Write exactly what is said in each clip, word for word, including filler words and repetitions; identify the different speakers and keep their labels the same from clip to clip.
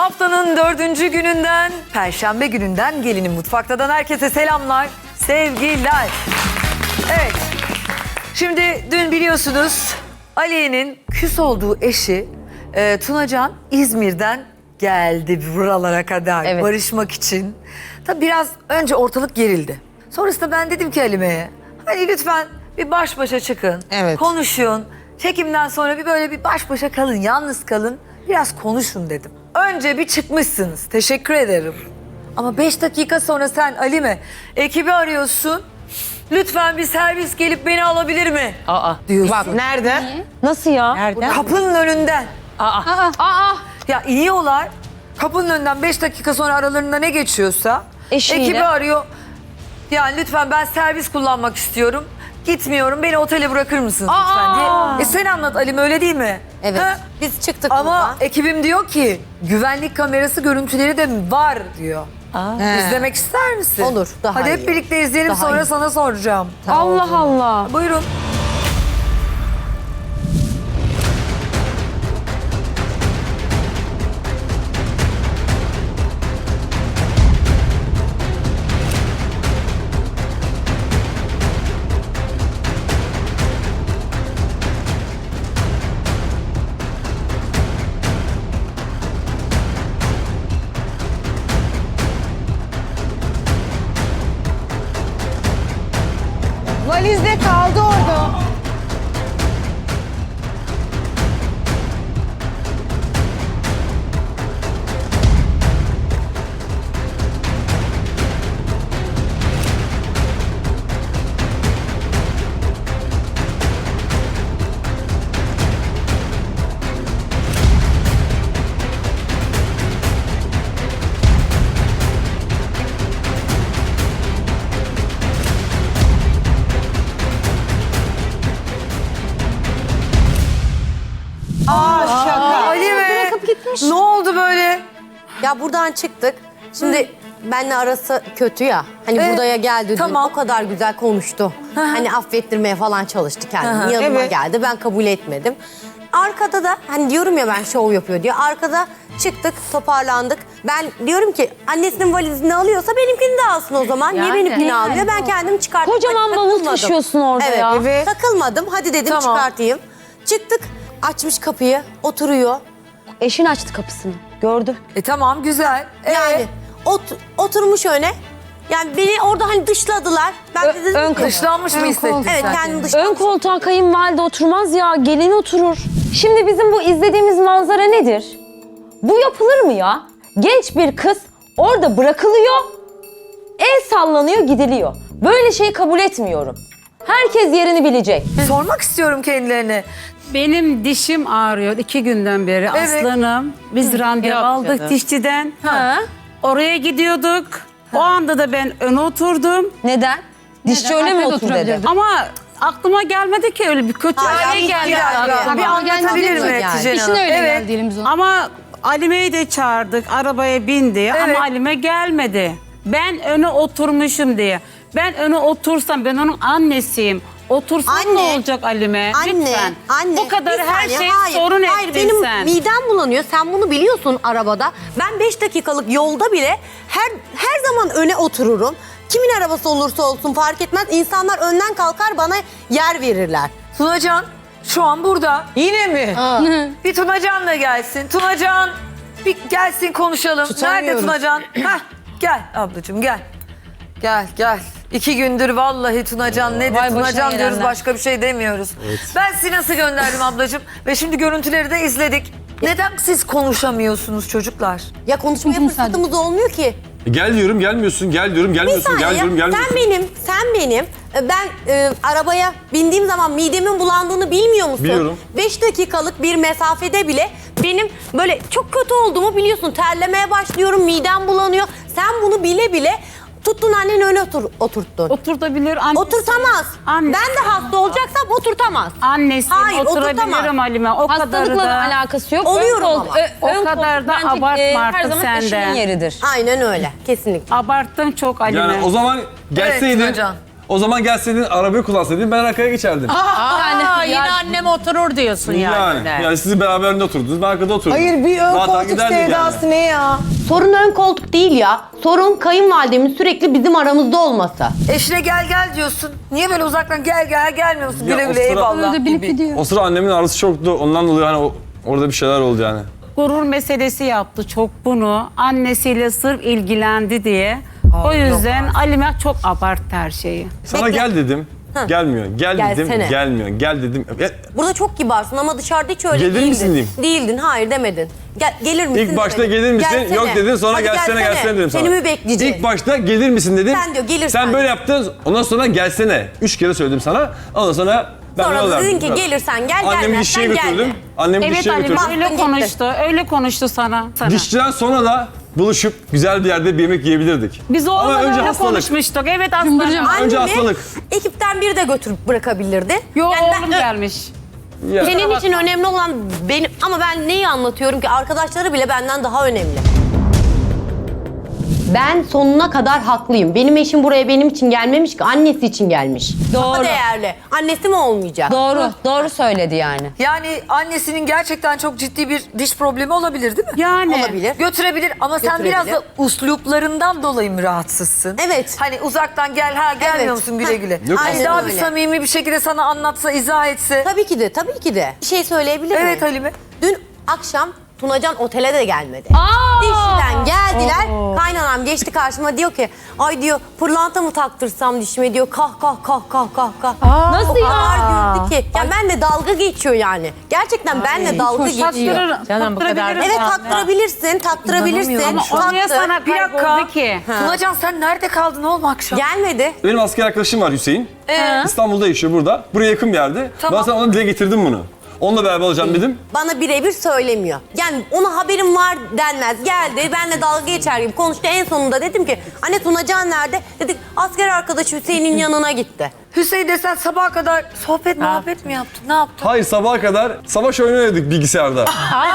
Speaker 1: Haftanın dördüncü gününden, Perşembe gününden Gelinin Mutfak'tan herkese selamlar, sevgiler. Evet, şimdi dün biliyorsunuz Aliye'nin küs olduğu eşi e, Tunacan İzmir'den geldi buralara kadar
Speaker 2: Evet.
Speaker 1: barışmak için. Tabii biraz önce ortalık gerildi. Sonrasında ben dedim ki Halime'ye, hani lütfen bir baş başa çıkın,
Speaker 3: Evet.
Speaker 1: konuşun. Çekimden sonra bir böyle bir baş başa kalın, yalnız kalın, biraz konuşun dedim. Önce bir çıkmışsınız, teşekkür ederim. Ama beş dakika sonra sen Halime, ekibi arıyorsun. Lütfen bir servis gelip beni alabilir mi?
Speaker 2: Aa.
Speaker 1: Diyorsun.
Speaker 3: Bak nerede?
Speaker 2: Nasıl ya?
Speaker 3: Nerede?
Speaker 1: Kapının önünden.
Speaker 2: Aa. Aa.
Speaker 1: Ya iniyorlar. Kapının önünden beş dakika sonra aralarında ne geçiyorsa
Speaker 2: Eşiyle.
Speaker 1: ekibi arıyor. Yani lütfen ben servis kullanmak istiyorum. Gitmiyorum. Beni otele bırakır mısınız lütfen diye. E sen anlat Alim, öyle değil mi?
Speaker 4: Evet.
Speaker 1: Ha?
Speaker 4: Biz çıktık
Speaker 1: Ama
Speaker 4: buradan.
Speaker 1: ekibim diyor ki güvenlik kamerası görüntüleri de var diyor.
Speaker 3: He.
Speaker 1: İzlemek ister misin?
Speaker 4: Olur, daha
Speaker 1: Hadi
Speaker 4: iyi
Speaker 1: hep birlikte izleyelim,
Speaker 4: Daha
Speaker 1: sonra
Speaker 4: iyi.
Speaker 1: sana soracağım.
Speaker 2: Allah Allah.
Speaker 1: Buyurun.
Speaker 3: Valizde kaldı orada. Aa şaka.
Speaker 1: Halime,
Speaker 2: gitmiş.
Speaker 1: ne oldu böyle?
Speaker 4: Ya buradan çıktık. Şimdi benle arası kötü ya. Hani
Speaker 1: Evet,
Speaker 4: buraya geldi dün.
Speaker 1: tamam.
Speaker 4: O kadar güzel konuştu. Hani affettirmeye falan çalıştı kendini.
Speaker 1: Hı hı.
Speaker 4: Yanıma
Speaker 3: Evet.
Speaker 4: geldi. Ben kabul etmedim. Arkada da hani diyorum ya ben şov yapıyor diye. Arkada çıktık, toparlandık. Ben diyorum ki annesinin valizini alıyorsa benimkini de alsın o zaman. Niye
Speaker 2: Yani.
Speaker 4: benimkini almıyor? Ben kendim çıkarttım.
Speaker 2: Kocaman
Speaker 4: Hadi
Speaker 2: bavul
Speaker 4: takılmadım.
Speaker 2: taşıyorsun orada
Speaker 4: evet,
Speaker 2: ya.
Speaker 3: Evet.
Speaker 4: Takılmadım. Hadi dedim
Speaker 1: Tamam.
Speaker 4: çıkartayım. Çıktık. Açmış kapıyı. Oturuyor.
Speaker 2: Eşin açtı kapısını. Gördü.
Speaker 1: E tamam, güzel. Ee,
Speaker 4: Yani ot- oturmuş öne. Yani beni orada hani dışladılar. Ben de
Speaker 2: Ö-
Speaker 4: dedim
Speaker 2: ön
Speaker 4: ki-
Speaker 1: dışlanmış mı hissettin
Speaker 4: Evet,
Speaker 1: sen?
Speaker 4: kendimi dışlamış.
Speaker 2: Ön koltuğa kayınvalide oturmaz ya. Gelin oturur. Şimdi bizim bu izlediğimiz manzara nedir? Bu yapılır mı ya? Genç bir kız orada bırakılıyor. El sallanıyor, gidiliyor. Böyle şeyi kabul etmiyorum. Herkes yerini bilecek.
Speaker 1: Sormak istiyorum kendilerine.
Speaker 5: Benim dişim ağrıyor iki günden beri
Speaker 1: Evet.
Speaker 5: aslanım. Biz randevu aldık dişçiden.
Speaker 2: Ha?
Speaker 5: Oraya gidiyorduk. O anda da ben öne oturdum.
Speaker 2: Neden? Dişçi öyle mi otur dedi?
Speaker 5: Ama aklıma gelmedi ki öyle bir kötü
Speaker 4: Hala
Speaker 5: hale
Speaker 4: bir
Speaker 5: geldi.
Speaker 1: dakika, bir anlatabilir mi
Speaker 4: Yani.
Speaker 1: Hatice
Speaker 6: İşin
Speaker 1: Hanım?
Speaker 6: öyle
Speaker 1: Evet.
Speaker 6: geldi elimize.
Speaker 5: Ama Alime'yi de çağırdık. Arabaya bindi
Speaker 1: Evet.
Speaker 5: ama Alime gelmedi. Ben öne oturmuşum diye. Ben öne otursam ben onun annesiyim. Otursam ne
Speaker 4: Anne,
Speaker 5: olacak Alime?
Speaker 4: Anne,
Speaker 5: Lütfen.
Speaker 4: anne.
Speaker 5: Bu kadar
Speaker 4: bir
Speaker 5: her
Speaker 4: saniye,
Speaker 5: şey
Speaker 4: hayır,
Speaker 5: sorun
Speaker 4: hayır,
Speaker 5: ettin
Speaker 4: benim
Speaker 5: sen.
Speaker 4: midem bulanıyor. Sen bunu biliyorsun arabada. Ben beş dakikalık yolda bile her her zaman öne otururum. Kimin arabası olursa olsun fark etmez. İnsanlar önden kalkar bana yer verirler.
Speaker 1: Tunacan şu an burada.
Speaker 3: Yine mi?
Speaker 1: Bir Tunacan da gelsin. Tunacan bir gelsin, konuşalım. Nerede
Speaker 3: Tutamıyoruz.
Speaker 1: Tunacan? Heh, gel ablacığım gel. Gel gel. İki gündür vallahi Tunacan nedir?
Speaker 2: Vay başına
Speaker 1: Tunacan diyoruz,
Speaker 2: gelenler.
Speaker 1: başka bir şey demiyoruz. Ben sizi nasıl gönderdim ablacığım? Ve şimdi görüntüleri de izledik. Neden siz konuşamıyorsunuz çocuklar?
Speaker 4: Ya konuşmaya fırsatımız olmuyor ki.
Speaker 7: Gel diyorum gelmiyorsun, gel diyorum
Speaker 4: Bir
Speaker 7: gelmiyorsun,
Speaker 4: saniye.
Speaker 7: gel diyorum gelmiyorsun.
Speaker 4: Sen benim, sen benim. e, Ben e, arabaya bindiğim zaman midemin bulandığını bilmiyor musun?
Speaker 7: Biliyorum.
Speaker 4: Beş dakikalık bir mesafede bile benim böyle çok kötü olduğumu biliyorsun. Terlemeye başlıyorum, midem bulanıyor. Sen bunu bile bile tuttun anneni öne otur, oturttun.
Speaker 5: Oturtabilir annesi.
Speaker 4: Oturtamaz.
Speaker 5: Anne.
Speaker 4: Ben de hasta olacaksam oturtamaz.
Speaker 5: Annesi
Speaker 4: Hayır,
Speaker 5: oturabilirim
Speaker 4: oturtamam.
Speaker 5: Halime. O kadar
Speaker 2: Hastalıkla da
Speaker 5: da.
Speaker 2: alakası yok.
Speaker 4: Oluyorum
Speaker 2: ön
Speaker 4: ama.
Speaker 2: ö-
Speaker 5: O
Speaker 2: ön
Speaker 5: kadar
Speaker 2: koltuk
Speaker 5: da
Speaker 2: bence,
Speaker 5: abartma
Speaker 2: e, Her
Speaker 5: artık
Speaker 2: zaman
Speaker 5: sen de.
Speaker 2: eşinin yeridir.
Speaker 4: Aynen öyle. Kesinlikle.
Speaker 5: Abarttın çok Halime.
Speaker 7: Yani o zaman
Speaker 1: Evet
Speaker 7: gelseydin,
Speaker 1: Tunacan.
Speaker 7: O zaman gelseydin arabayı kullansaydın ben arkaya geçerdim.
Speaker 5: Aa, yine annem oturur diyorsun yani.
Speaker 7: yani. Yani siz beraber önde oturdunuz, ben arkada oturdum.
Speaker 3: Hayır bir ön
Speaker 7: Rahat
Speaker 3: koltuk
Speaker 7: giderdik yani.
Speaker 3: sevdası ne ya?
Speaker 4: Sorun ön koltuk değil ya. Sorun kayınvalidemin sürekli bizim aramızda olması.
Speaker 1: Eşine gel gel diyorsun. Niye böyle uzaktan gel gel gelmiyor musun?
Speaker 7: Ya
Speaker 1: Güle
Speaker 7: o
Speaker 1: güle
Speaker 7: sıra-
Speaker 1: eyvallah gibi.
Speaker 7: O sıra annemin ağrısı çoktu. Ondan dolayı hani o, orada bir şeyler oldu yani.
Speaker 5: Gurur meselesi yaptı çok bunu. Annesiyle sırf ilgilendi diye. O yüzden Alime çok abarttı her şeyi.
Speaker 7: Sana
Speaker 4: Bekle.
Speaker 7: gel dedim. Gelmiyor. Gel dedim.
Speaker 4: Gelsene.
Speaker 7: Gelmiyor. Gel dedim. Ya,
Speaker 4: Burada çok kibarsın ama dışarıda hiç öyle
Speaker 7: Gelir
Speaker 4: değildin.
Speaker 7: misin diyeyim?
Speaker 4: Değildin, hayır demedin. Gel, gelir misin
Speaker 7: İlk başta
Speaker 4: demedin.
Speaker 7: gelir misin?
Speaker 4: Gelsene.
Speaker 7: Yok dedin, sonra
Speaker 4: Hadi
Speaker 7: gelsene gelsene dedim sana.
Speaker 4: Seni mi bekleyeceğim?
Speaker 7: İlk başta gelir misin dedim.
Speaker 4: Sen diyor, gelirsen.
Speaker 7: Sen böyle yaptın. Ondan sonra gelsene. Üç kere söyledim sana. Ondan sonra ben
Speaker 4: Sonra
Speaker 7: yol
Speaker 4: da
Speaker 7: verdim.
Speaker 4: dedin ki gelirsen gel,
Speaker 7: Annemi
Speaker 4: gelmezsen
Speaker 7: dişçiye
Speaker 4: gelme.
Speaker 7: götürdüm. Annemi
Speaker 5: Evet
Speaker 7: dişçiye
Speaker 5: Alime
Speaker 7: götürdüm.
Speaker 5: öyle
Speaker 4: gitti.
Speaker 5: konuştu. Öyle konuştu sana. sana.
Speaker 7: Dişçiden sonra da buluşup güzel bir yerde bir yemek yiyebilirdik.
Speaker 5: Biz
Speaker 7: Ama
Speaker 5: oğlumla
Speaker 7: önce
Speaker 5: öyle
Speaker 7: hastalık.
Speaker 5: konuşmuştuk. Evet aslanım.
Speaker 7: Önce
Speaker 4: Annemi
Speaker 7: hastalık.
Speaker 4: ekipten biri de götürüp bırakabilirdi.
Speaker 5: Yo
Speaker 4: Yani ben-
Speaker 5: oğlum gelmiş.
Speaker 7: Ya.
Speaker 4: Senin için önemli olan benim ama ben neyi anlatıyorum ki arkadaşları bile benden daha önemli. Ben sonuna kadar haklıyım. Benim eşim buraya benim için gelmemiş ki annesi için gelmiş. Daha
Speaker 2: Doğru.
Speaker 4: değerli. Annesi mi olmayacak?
Speaker 2: Doğru, doğru söyledi yani.
Speaker 1: Yani annesinin gerçekten çok ciddi bir diş problemi olabilir değil mi?
Speaker 5: Yani.
Speaker 4: Olabilir.
Speaker 1: Götürebilir ama sen
Speaker 4: Götürebilir.
Speaker 1: biraz da usluplarından dolayı mı rahatsızsın?
Speaker 4: Evet.
Speaker 1: Hani uzaktan gel ha gelmiyor
Speaker 4: Evet.
Speaker 1: musun güle
Speaker 4: Ha.
Speaker 1: güle.
Speaker 7: Yok.
Speaker 1: Hani
Speaker 4: Aynen
Speaker 1: daha bir
Speaker 4: öyle.
Speaker 1: samimi bir şekilde sana anlatsa, izah etse.
Speaker 4: Tabii ki de, tabii ki de. Bir şey söyleyebilir miyim?
Speaker 1: Evet Halime.
Speaker 4: Dün akşam Tunacan otele de gelmedi.
Speaker 2: Aa!
Speaker 4: Dişçiden geldiler. Kaynanam geçti karşıma diyor ki ay diyor pırlanta mı taktırsam dişime diyor kah kah kah kah kah kah.
Speaker 2: Nasıl
Speaker 4: O
Speaker 2: ya?
Speaker 4: kadar güldü ki. Ya benle dalga geçiyor yani. Gerçekten benle dalga geçiyor.
Speaker 5: Taktırır,
Speaker 3: Canım bu kadar-
Speaker 5: taktırabiliriz
Speaker 4: Evet
Speaker 5: abi.
Speaker 4: taktırabilirsin, taktırabilirsin.
Speaker 1: İnanamıyorum.
Speaker 5: Ama o niye
Speaker 4: Taktır.
Speaker 5: sana
Speaker 1: Bir dakika.
Speaker 5: kayboldu ki?
Speaker 1: Tunacan sen nerede kaldın oğlum akşam?
Speaker 4: Gelmedi.
Speaker 7: Benim asker arkadaşım var Hüseyin.
Speaker 1: Ee?
Speaker 7: İstanbul'da yaşıyor burada. Buraya yakın bir yerde.
Speaker 1: Tamam.
Speaker 7: Ben sana ona dile getirdim bunu. Onunla beraber olacağım dedim.
Speaker 4: Bana birebir söylemiyor. Yani ona haberim var denmez. Geldi benle dalga geçer gibi konuştu. En sonunda dedim ki anne Tunacan nerede? Dedik asker arkadaşı Hüseyin'in yanına gitti.
Speaker 1: Hüseyin desen sabaha kadar sohbet muhabbet mi yaptın? Ne yaptın?
Speaker 7: Hayır sabaha kadar savaş oyunu oynadık bilgisayarda.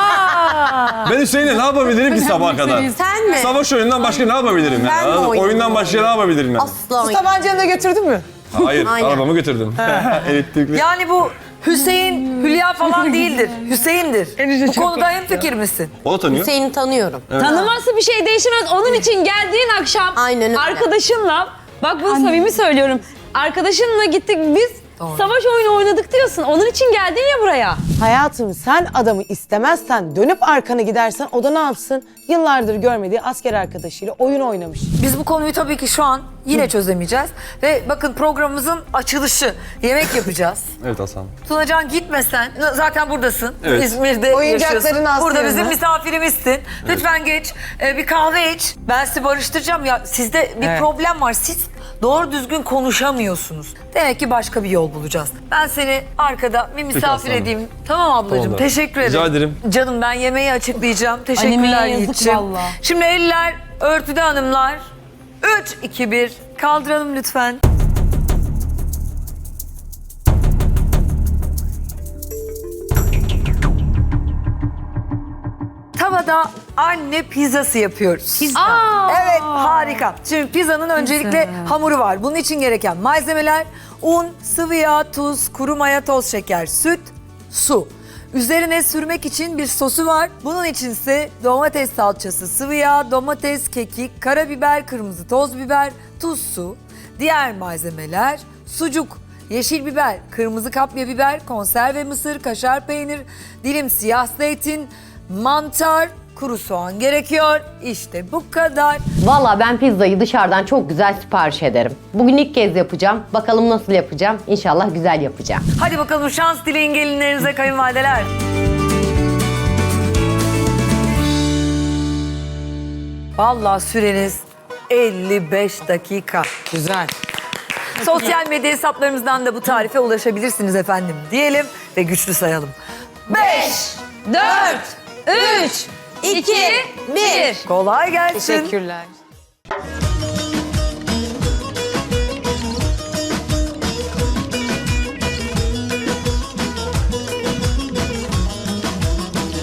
Speaker 7: Ben Hüseyin'le ne yapabilirim ki sabaha kadar?
Speaker 4: Sen mi?
Speaker 7: Savaş oyunundan başka ne yapabilirim?
Speaker 4: Ben
Speaker 7: Yani?
Speaker 4: mi
Speaker 7: Anladın mı?
Speaker 4: oynadım?
Speaker 7: Oyundan başka ne yapabilirim yani?
Speaker 4: Asla.
Speaker 3: Su tabancanı da götürdün mü?
Speaker 7: Hayır,
Speaker 4: Aynen.
Speaker 7: arabamı götürdüm. Elektrikli.
Speaker 1: Yani bu Hüseyin Hülya falan değildir. Hüseyin'dir.
Speaker 3: Enişte
Speaker 1: Bu
Speaker 3: çok
Speaker 1: konuda hemfikir misin?
Speaker 7: O da tanıyor.
Speaker 4: Hüseyin'i tanıyorum.
Speaker 2: Tanıması bir şey değişmez. Onun için geldiğin akşam
Speaker 4: Aynen öyle.
Speaker 2: arkadaşınla, bak bunu samimi söylüyorum. Arkadaşınla gittik biz savaş oyunu oynadık diyorsun. Onun için geldin ya buraya.
Speaker 3: Hayatım sen adamı istemezsen dönüp arkanı gidersen o da ne yapsın? Yıllardır görmediği asker arkadaşıyla oyun oynamış.
Speaker 1: Biz bu konuyu tabii ki şu an yine çözemeyeceğiz. Ve bakın programımızın açılışı. Yemek yapacağız.
Speaker 7: Evet Hasan.
Speaker 1: Tunacan gitmesen, zaten buradasın.
Speaker 7: Evet.
Speaker 1: İzmir'de
Speaker 3: Oyuncakların
Speaker 1: yaşıyorsun. Burada
Speaker 3: askerine.
Speaker 1: bizim misafirimizsin. Lütfen geç, e, bir kahve iç. Ben sizi barıştıracağım. Ya sizde bir
Speaker 3: Evet.
Speaker 1: problem var. Siz doğru düzgün konuşamıyorsunuz. Demek ki başka bir yol bulacağız. Ben seni arkada bir misafir
Speaker 7: aslanım.
Speaker 1: edeyim. Tamam ablacığım.
Speaker 7: Tamam.
Speaker 1: Teşekkür ederim.
Speaker 7: Rica ederim.
Speaker 1: Canım ben yemeği açıklayacağım. Teşekkürler
Speaker 2: Animeye yazık
Speaker 1: Yiğit'ciğim.
Speaker 2: vallahi.
Speaker 1: Şimdi eller örtüde hanımlar. üç, iki, bir. Kaldıralım lütfen. Tavada anne pizzası yapıyoruz. Pizza. Evet harika. Şimdi pizzanın öncelikle hamuru var. Bunun için gereken malzemeler un, sıvı yağ, tuz, kuru maya, toz şeker, süt, su. Üzerine sürmek için bir sosu var. Bunun için ise domates salçası, sıvı yağ, domates, kekik, karabiber, kırmızı toz biber, tuz, su. Diğer malzemeler sucuk, yeşil biber, kırmızı kapya biber, konserve mısır, kaşar peynir, dilim siyah zeytin, mantar, kuru soğan gerekiyor. İşte bu kadar.
Speaker 4: Valla ben pizzayı dışarıdan çok güzel sipariş ederim. Bugün ilk kez yapacağım. Bakalım nasıl yapacağım. İnşallah güzel yapacağım.
Speaker 1: Hadi bakalım şans dileyin gelinlerinize kayınvalideler. Vallahi süreniz elli beş dakika.
Speaker 3: Güzel.
Speaker 1: Sosyal medya hesaplarımızdan da bu tarife ulaşabilirsiniz efendim diyelim ve güçlü sayalım. beş,
Speaker 2: dört, üç, iki, bir.
Speaker 1: kolay gelsin.
Speaker 3: Teşekkürler.